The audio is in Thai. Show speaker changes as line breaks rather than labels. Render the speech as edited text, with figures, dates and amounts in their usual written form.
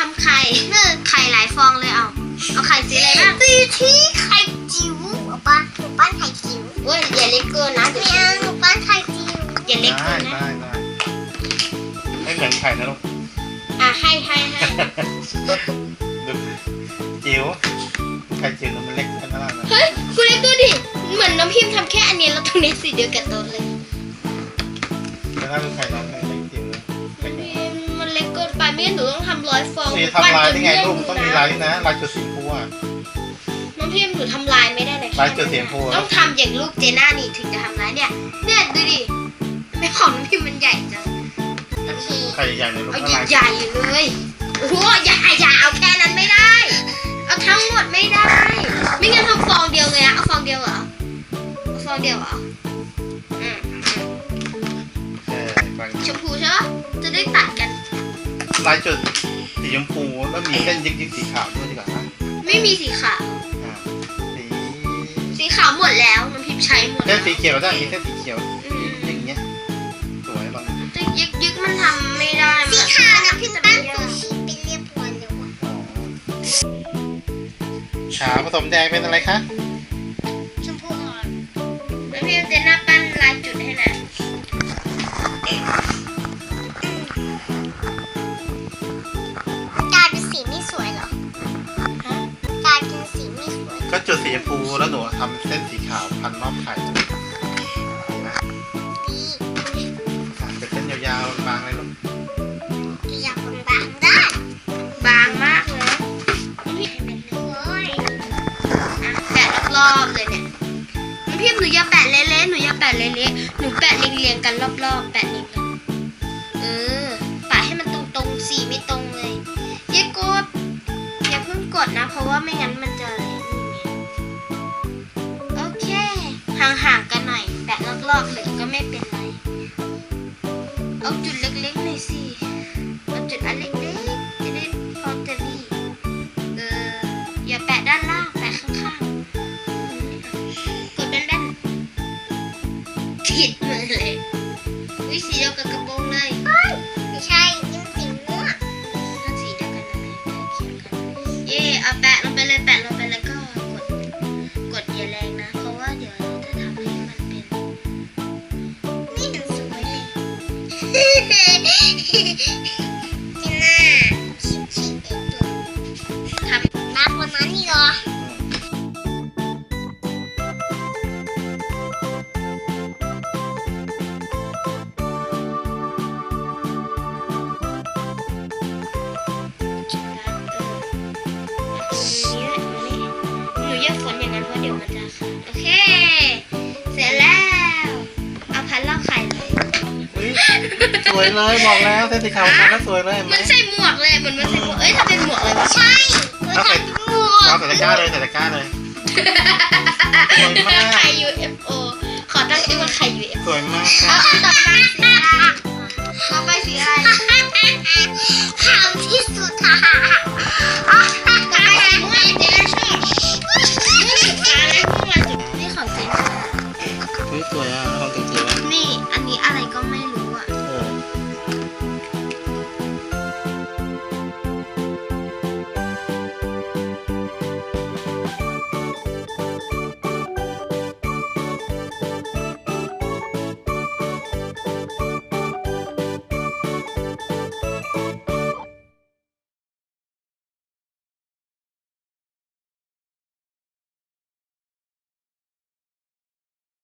ำไข่ไข่หลายฟองเลยเอาไข่สีอะไรบ้าง
สีที่ไข่จิ๋วเอาป้าหนูปั้นไข่จิ๋ว
เว้ยอย่าเล็กเกินนะเดี๋ยว
ไม่เอาหนูปั้นไข่จิ๋ว
อย่าเล็กเกินนะ
ได้ไม่เหมือนไข่นะลูก
ให้
ดูจิ๋วไข่จิ๋วมันเล็กขนาดนั้น
เฮ้ยคุณเล็กดูดิเหมือนน้ำพิมพ์ทำแค่อันนี้แล้วตรงนี้สีเดียวกับโต๊ะเลย
แต่ถ้าเป็นไข่น้องเล็กจิ๋วเล็ก
พิมพ์มันเล็กเกินไปไม่งั้นหนูต้องทำ100 ฟอง
นี่ทำลายได้ไงลูกต้องมีลายนะลายจุดสีชมพูอ่ะ
น้ำพิมพ์หนูทำลายไม่ได้เลย
ลายจุดสีชมพู
ต้องทำอย่างลูกเจน่านี่ถึงจะทำลายเนี่ยดูดิไม่ของน้ำพิมพ์มันใหญ่จัง
ไข่ใหญ่เลยลูก
เอา
ลาย
ใหญ่ๆเลยโอ้โหอย่าเอาแค่นั้นไม่ได้ เอาทั้งหมดไม่ได้ ไม่งั้นทำฟองเดียวเลยนะเอาฟองเดียวเหรอเอาฟองเดียวเหรออืม
ฟัง
ชมพูใช่ปะจะได้ตัดกัน
ลายจุดสีชมพูแล้วมีเส้นยิกสีขาวด้วยดีกว่านะ
ไม่มีสีขาว
สี
สีขาวหมดแล้วน้ำพิมพ์ใช้หมด
เส้นสีเขียวได้มีเส้นสีเขียว
อืม
อย่างเงี้ยสวยบาง
แต่ยึกมันทำไม่ได้
สีขาวนะพี่ปั้นซูชิเป็นเรียบร้อยแล้วอะ
ขาวผสมแดงเป็นอะไรคะ
ชมพูอ่อน
น้ำพิมพ์เจน่าปั้นลายจุดให้นะ
กลายเป็นสีไม่สวยเหรอ
ฮะ
กลายเป็นสีไม่สวย
ก็จุดสีชมพูแล้วหนูทำเส้นสีขาวพันรอบไข่นะ
ดี
เป็นเส้นยาวๆบางเลยลูก
อยากบางๆได้
บางมากเลย
ให้มันโอ้ย
แปะรอบๆเลยเนี่ยน้ำพิมพ์หนูอย่าแปะเละๆหนูอย่าแปะเละๆหนูแปะเรียงๆกันรอบๆแปะเรียงกันปะให้มันตรงๆสีไม่ตรงเลยอย่ากดอย่าเพิ่งกดนะเพราะว่าไม่งั้นมันจะอะไรนี่ไงโอเคห่างๆกันหน่อยแปะรอบๆเลยก็ไม่เป็นไรเอาจุดเล็กๆหน่อยสิเอาจุดอันเล็กๆจะได้พอจะดีอย่าแปะด้านล่างแปะข้างๆกดแน่นๆผิดมือเลยวิสีเดียวกับกระโปรงเลย
ไม่ใช่นี่มันสีม่วง
ถ้าสีเดียวกันนะเขียนกันเย่เอาแปะลงไปเลยแปะลงไปแล้วก็กดอย่าแรงนะเพราะว่าเดี๋ยวเราจะทำให้มันเป็น
นี่มันสวยเลยจีน่าชิเองตัว
ท
มากกว่านั้นนี่เหรอ
หนูอย่าฝนอย่างนั้นเพราะเดี๋ยวมันจะขาดโอเค เสร็จแล้ว เอาพันรอบไข่เลย
อุ๊ยสวยเลยบอกแล้วเส้นสีขาวมันก็สวยเลยเห็นไหม
มันใส่หมวกเลยมันใส่หมวกถ้าเป็นหมวกเลยวะ
ใช่คือทำเป็นหมว
เอา
ก
ใส่ตะกร้าเลยใส่ตะกร้าเลยสวยมาก
ไข่ UFO ขอตั้งชื่อว่าไข่ UFO
สวยมาก
เอาต่อไปสีอะไรต่อไปสีอะไร
ขาวที่สุด